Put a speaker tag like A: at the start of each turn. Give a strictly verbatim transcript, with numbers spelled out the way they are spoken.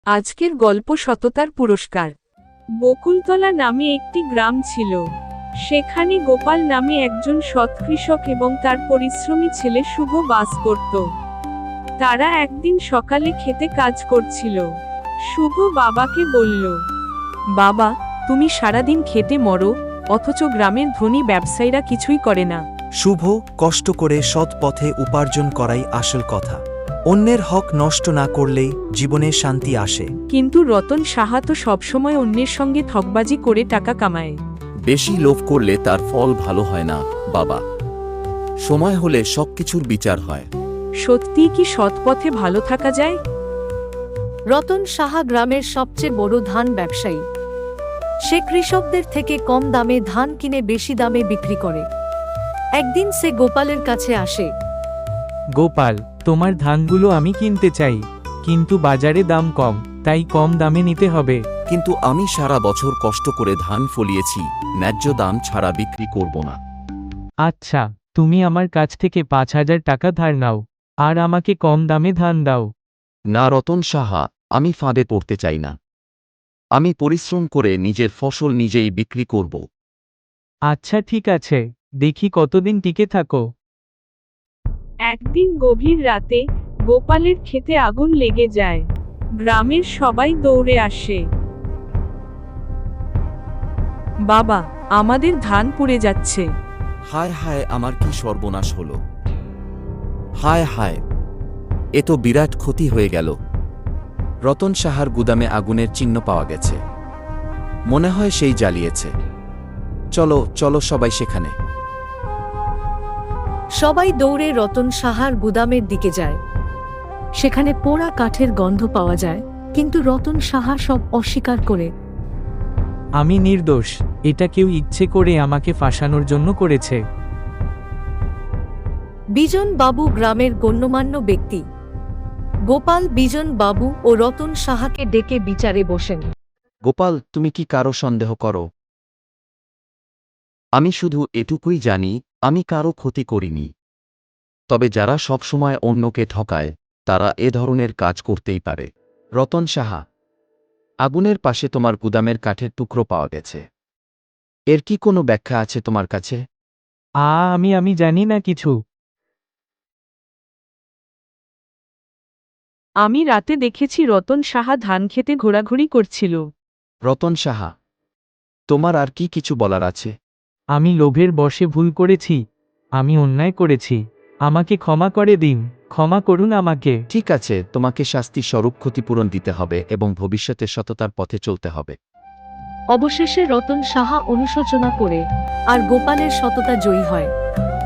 A: আজকের গল্প সততার পুরস্কার। বকুলতলা নামে একটি গ্রাম ছিল। সেখানে গোপাল নামে একজন সৎ কৃষক এবং তার পরিশ্রমী ছেলে শুভ বাস করত। তারা একদিন সকালে খেতে কাজ করছিল। শুভ বাবাকে বলল,
B: বাবা, তুমি সারাদিন খেতে মরো, অথচ গ্রামের ধনী ব্যবসায়ীরা কিছুই করে না।
C: শুভ, কষ্ট করে সৎ পথে উপার্জন করাই আসল কথা। অন্যের হক নষ্ট না করলেই জীবনে শান্তি আসে।
B: কিন্তু রতন সাহা তো সবসময় অন্যের সঙ্গে ঠকবাজি করে টাকা কামায়।
D: বেশি লোভ করলে তার ফল ভালো হয় না বাবা। সময় হলে সবকিছুর বিচার হয়।
B: সত্যিই কি সৎ পথে ভালো থাকা যায়?
E: রতন সাহা গ্রামের সবচেয়ে বড় ধান ব্যবসায়ী। সে কৃষকদের থেকে কম দামে ধান কিনে বেশি দামে বিক্রি করে। একদিন সে গোপালের কাছে আসে।
F: গোপাল, তোমার ধানগুলো আমি কিনতে চাই, কিন্তু বাজারে দাম কম, তাই কম দামে নিতে হবে।
D: কিন্তু আমি সারা বছর কষ্ট করে ধান ফলিয়েছি, ন্যায্য দাম ছাড়া বিক্রি করব না।
F: আচ্ছা, তুমি আমার কাছ থেকে পাঁচ হাজার টাকা ধার নাও, আর আমাকে কম দামে ধান দাও।
D: না রতন সাহা, আমি ফাঁদে পড়তে চাই না। আমি পরিশ্রম করে নিজের ফসল নিজেই বিক্রি করব।
F: আচ্ছা ঠিক আছে, দেখি কতদিন টিকে থাকো।
A: একদিন গভীর রাতে গোপালের ক্ষেতে আগুন লেগে যায়। গ্রামের সবাই দৌড়ে আসে।
B: বাবা, আমাদের ধান পুড়ে যাচ্ছে।
D: হায় হায়, আমার কি সর্বনাশ হলো! হায় হায়, এ তো বিরাট ক্ষতি হয়ে গেল। রতন সাহার গুদামে আগুনের চিহ্ন পাওয়া গেছে। মনে হয় সেই জ্বালিয়েছে। চলো চলো সবাই সেখানে।
E: সবাই দৌড়ে রতন সাহার গুদামের দিকে যায়। সেখানে পোড়া কাঠের গন্ধ পাওয়া যায়, কিন্তু রতন সাহা সব অস্বীকার করে।
F: আমি নির্দোষ, এটা কেউ ইচ্ছে করে আমাকে ফাঁসানোর জন্য করেছে।
E: বিজন বাবু গ্রামের গণ্যমান্য ব্যক্তি। গোপাল বিজন বাবু ও রতন সাহাকে ডেকে বিচারে বসেন।
D: গোপাল, তুমি কি কারো সন্দেহ করো? আমি শুধু এটুকুই জানি, আমি কারো ক্ষতি করিনি। তবে যারা সবসময় অন্যকে ঠকায়, তারা এ ধরনের কাজ করতেই পারে। রতন সাহা, আগুনের পাশে তোমার গুদামের কাঠের টুকরো পাওয়া গেছে। এর কি কোনো ব্যাখ্যা আছে তোমার কাছে?
F: আ আমি আমি জানি না কিছু।
B: আমি রাতে দেখেছি রতন সাহা ধান খেতে ঘোরাঘুরি করছিল।
D: রতন সাহা, তোমার আর কি কিছু বলার আছে?
F: আমি লোভের বশে ভুল করেছি, আমি অন্যায় করেছি, আমাকে ক্ষমা করে দিন, ক্ষমা করুন আমাকে।
D: ঠিক আছে, তোমাকে শাস্তি স্বরূপ ক্ষতিপূরণ দিতে হবে এবং ভবিষ্যতে সততার পথে চলতে হবে।
E: অবশেষে রতন সাহা অনুশোচনা করে, আর গোপালের সততা জয়ী হয়।